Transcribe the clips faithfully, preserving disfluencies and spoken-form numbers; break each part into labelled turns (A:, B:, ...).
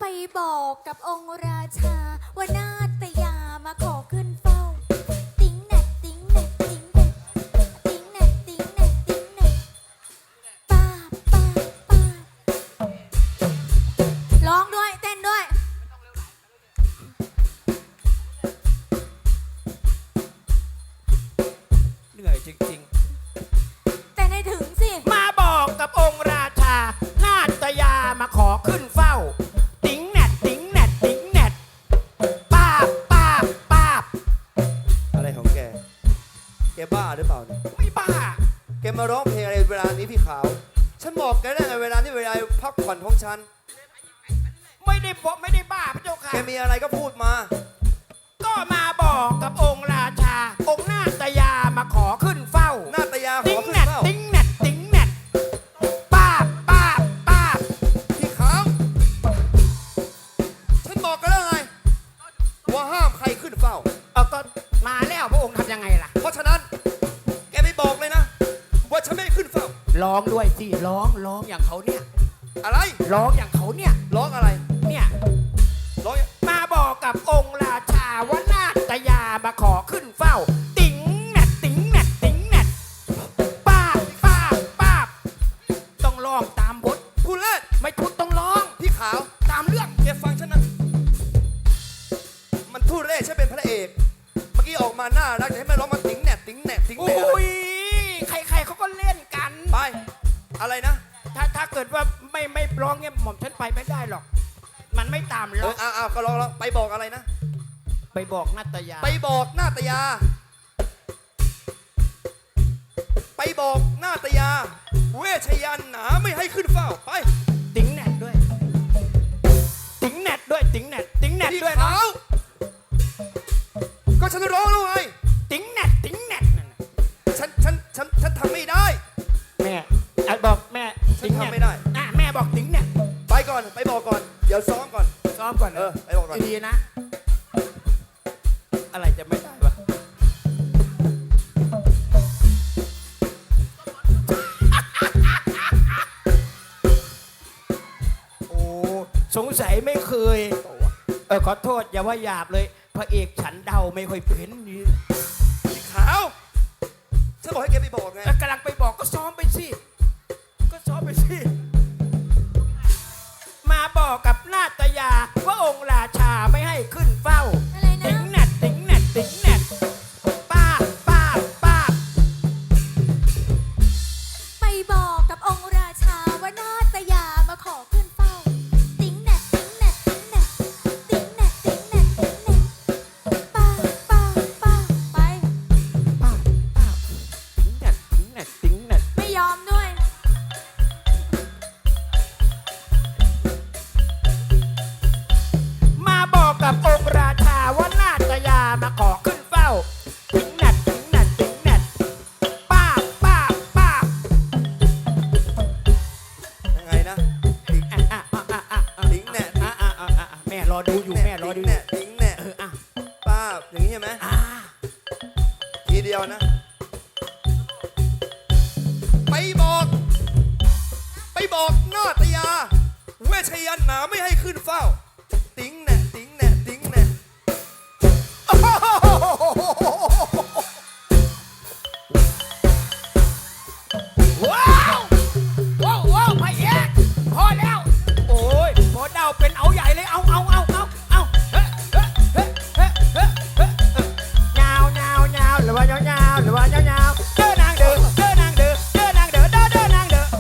A: ไปบอกกับองค์ราชาว่านาตยามาขอขึ้นเฝ้าติ๊งแหนกติ๊งแหนกติ๊งแหนกติ๊งแหนกติ๊งแหนกติ๊งแหนกป้าป้าป้าร้องด้วยเต้นด้วย
B: เหนื่อยจริง
A: ๆแต่ในถึงสิ
B: มาบอกกับองค์ราชานาตยามาขอขึ้นเฝ้าติ๋งแหนดติ๋งแหนดติ๋งแหนดป้าบป้าบป้าบ
C: อะไรของแกแกบ้าหรือเปล่าเนี่ย
B: ไม่บ้า
C: แกมาร้องเพลงอะไรเวลานี้พี่ขาวฉันบอกแกได้ไงเวลานี้เวลาพักผ่อนของฉัน
B: ไม่ได้บอกไม่ได้บ้าพระเจ้าค่ะ
C: แกมีอะไรก็พูดมา
B: ก็มาบอกกับองค์ราชาองค์นาตยามาขอขึ้นเฝ้า
C: นาตยาขอขึ้นเฝ้า
B: ติ๋งแหนดติ๋งแหนดป้าบป้าบป้าบ
C: พี่ขาวฉันบอกกันแล้วไงว่าห้ามใครขึ้นเฝ้า
B: เอาก็มาแล้วพระองค์ทำยังไงล่ะ
C: เพราะฉะนั้นแกไม่บอกเลยนะว่าฉันไม่ขึ้นเฝ้า
B: ร้องด้วยสิร้องร้องอย่างเขาเนี่ย
C: อะไร
B: ร้องอย่างเขาเนี่ย
C: ร้องอะไร
B: เนี่ย
C: ร้อง
B: มาบอกกับองค์ราชาว่านาตยามาขอขึ้นเฝ้าติ๋งแหนดติ๋งแหนดติ๋งแหนดป้าบป้าบป้าบต้องร้องตามบท
C: พูดเล่น
B: ไม่พูดต้องร้อง
C: พี่ขาว
B: ตามเรื่อง
C: แกฟังฉันนะมันทู่เล่ฉันเป็นพระเอกเมื่อกี้ออกมาน่ารักจะให้แม่ร้องมาติ๋งแหนดติ๋งแหนดติ๋งแหนด
B: โอ้ยใครๆเขาก็เล่นกัน
C: ไปอะไรนะ
B: ถ้าถ้าเกิดว่าไม่ไม่ร้องเนี่ยหม่อมฉันไปไม่ได้หรอกมันไม่ตามหรอก
C: เออเอาก็ร้องแล้วไปบอกอะไรนะ
B: ไปบอกนาตยา
C: ไปบอกนาตยาไปบอกนาตยาเวชยันหนาไม่ให้ขึ้นเฝ้าไป
B: ติ๋งแหนดด้วยติ๋งแหนดด้วยติ๋งแหนดติ๋งแหนดด้วยนะ
C: ก็ฉันร้องแล้วไง
B: ติ๋งแหนดติ๋งแหนดนั่น
C: ฉันฉันฉันฉันทำไม่ได้
B: แม่บอกแม่
C: ฉันทำไม่ได้
B: อ่ะแม่บอกติ๋งแหนด
C: ไปก่อนไปบอกก่อนเดี๋ยวซ้อมก่อน
B: ซ้อมก่อน
C: เออไปบอกก่อน
B: ดีนะอะไรจะไม่ได้วะโอ้สงสัยไม่เคยเออขอโทษอย่าว่าหยาบเลยพระเอกฉันเดาไม่ค่อยเพ้นนี่
C: ขาวฉันบอกให้แกไปบอกไง
B: กำลังไปบอกก็ซ้อมไปสิก็ซ้อมไปสิมาบอกกับนาตยาว่าองค์ราชาไม่ให้ขึ้นเฝ้าติ๋งแหนดติ๋งแหนดติ๋งแหนดป้าป้าป้า
A: ไปบอกกับองค์ราชาว่านาตยามาขอขึ้นเฝ้าติ๊งแหนกติ๊งแหนกติ๊งแหนกติ๊งแหนกติ๊งแหนกติ๊งแหนกป้าป้าป้าไป
B: ป้าป้าติ๋งแหนกติ๋งแหนกติ๋งแหนก
A: ไม่ยอมด้วย
B: กับองค์ราชาว่านาตยามาขอขึ้นเฝ้าติ๋งแหนดติ๋งแหนดติ๋งแหนดป้าป้าป้า
C: ยังไงนะติ๋ง
B: อ่ะอ่ะอ่ะอ่ะ
C: ติ๋งแหนด
B: อ่ะอ่ะอ่ะแม่รอดูอยู่แม่รอดู
C: แหนดติ๋งแหนด
B: เอออ่ะ
C: ป้าอย่างนี้ใช่ไหมทีเดียวนะไปบอกไปบอกนาตยาเวชยันหนาไม่ให้ขึ้นเฝ้าติ๋งแหนดติ๋งแหนดติ๋งแหนด
B: ว้าวว้าวว้าวพระเอกพอแล้วโอ้ยพอเดาเป็นเอาใหญ่เลยเอาเอาเอาเอาเอาเฮ้เฮ้เฮ้เฮ้เฮ้เฮ้ยาวยาวยาวหรือว่ายาวยาวหรือว่ายาวยาวเด้อนางเด้อเด้อนางเด้อเด้อนางเด้อเด้อเด้อนางเด้อ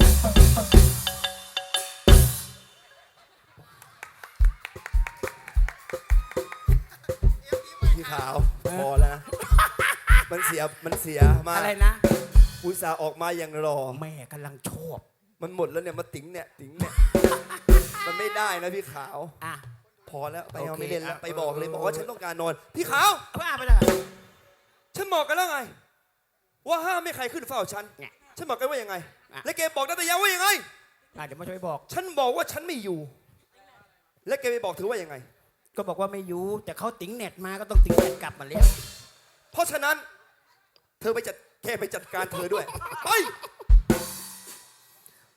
C: พี่ขาวพอแล้วมันเสียมันเสียมาก
B: อะไรนะ
C: อุตส่าห์ออกมาอย่างรอ
B: แม่กำลังชอบ
C: มันหมดแล้วเนี่ยมาติ๋งเนี่ยติ๋งเนี่ยมันไม่ได้นะพี่ขาว
B: อ่ะ
C: พอแล้วไปเอาไม่เล่นแล้วไปบอกเลยบอกว่าฉันต้องการนอนพี่ขาว
B: ว่าไปเลย
C: ฉันบอกกันแล้วไงว่าห้ามไม่ใครขึ้นเฝ้าฉันฉันบอกกันว่ายังไงและแกบอกนาตยาว่ายังไง
B: เดี๋ยวมาช่วยบอก
C: ฉันบอกว่าฉันไม่อยู่และแกไปบอกถือว่ายังไง
B: ก็บอกว่าไม่อยู่แต่เขาติ๋งเน็ตมาก็ต้องติ๋งเน็ตกลับมาแล้ว
C: เพราะฉะนั้นเธอไปจัดแค่ไปจัดการเธอด้วยไป
B: มา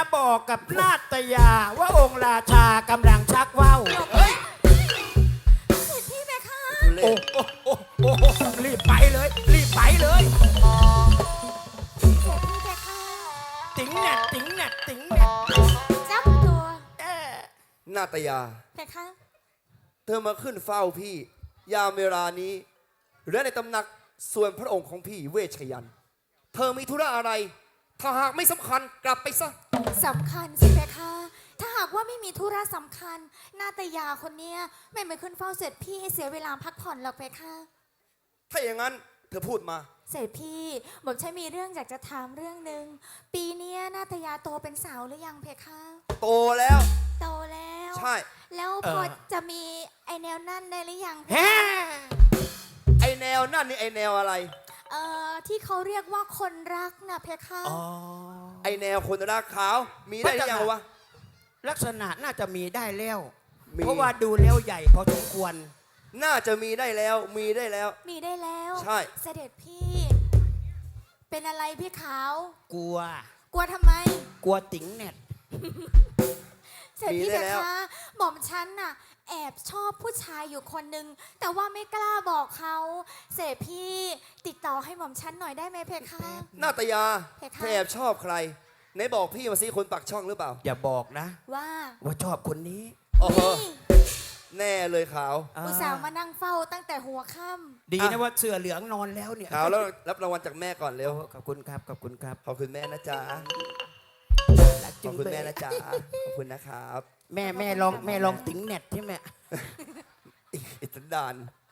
D: บอกกับนาตยาว่าองค์ราชากำลังชักว่าว
B: เฮ้ย
A: เสด็จพี่เพคะ
C: ทุเร
B: โอ้
C: ศ
B: โอ้โอ้โอ้รีบไปเลย รีบไปเลย
A: เสด็จพี่เพคะ
D: ติ๋งแหนดติ๋งแหนดติ๋งแหนด
A: จับตัว
D: เออ
C: นาตยา
A: เพคะ
C: เธอมาขึ้นเฝ้าพี่ ยามเวลานี้ และในตำหนักส่วนพระองค์ของพี่เวชยันต์เธอมีธุระอะไร ถ้าหากไม่สำคัญกลับไปซะ
A: สำคัญสิเพคะ ถ้าหากว่าไม่มีธุระสำคัญ นาตยาคนเนี้ยไม่มาขึ้นเฝ้าเสด็จพี่ให้เสียเวลาพักผ่อนหรอกเพคะ
C: ถ้าอย่างนั้นเธอพูดมา
A: เสด็จพี่ผมใช่มีเรื่องอยากจะถามเรื่องหนึ่งปีเนี้ยนาตยาโตเป็นสาวหรือยังเพคะ
C: โตแล้ว
A: โตแล้ว
C: ใช่
A: แล้วพอจะมีไอแนวนั่นได้หรือยังเพ
D: แฮ่
A: คะ
C: ไอแนวนั่นนี่ไอแนวอะไร
A: เอ่อที่เขาเรียกว่าคนรักนะเพคะ
D: อ๋อ
C: ไอแนวคนรักขาว มีได้หรือยังวะ
D: ลักษณะน่าจะมีได้แล้ว
C: มี
D: เพราะว่าดูแล้วใหญ่พอสมควร
C: น่าจะมีได้แล้ว มีได้แล้ว
A: มีได้แล้ว
C: ใช่
A: เสด็จพี่ เป็นอะไรพี่ขาว
D: กลัว
A: กลัวทำไม
D: กลัวติ๋งแหนด
A: เสด็จพี่
C: มีได้
A: เพ
C: แล้ว
A: คะหม่อมฉันน่ะแอบชอบผู้ชายอยู่คนนึงแต่ว่าไม่กล้าบอกเขาเสด็จพี่ติดต่อให้หม่อมฉันหน่อยได้ไหมเพคะ
C: นาตยา
A: เพคะ
C: เธอแอบชอบใครไหนบอกพี่มาสิคนปักช่องหรือเปล่า
D: อย่าบอกนะ
A: ว่า
D: ว่าชอบคนนี้
C: โอ้โห
A: นี่
C: แน่เลยขาว
A: อุตส่าห์มานั่งเฝ้าตั้งแต่หัวค่
D: ดี
C: อ่ะ
D: นะว่าเสื้อเหลืองนอนแล้วเนี่ย
C: ขาวแล้วรับรางวัลจากแม่ก่อนเร็ว
D: โอ้ขอบคุณครับขอบคุณครับ
C: ขอบคุณแม่นะจ๊ะ
D: รัก
C: ข
D: จุ
C: อบ
D: ง
C: คุณ
D: เบ
C: แม่
D: ย
C: นะจ๊ะ ขอบคุณนะครับ
D: แม่แม่ลองแม่ลองติ๋งแหนดใช่ไหม
C: อิสันดาน
A: ำ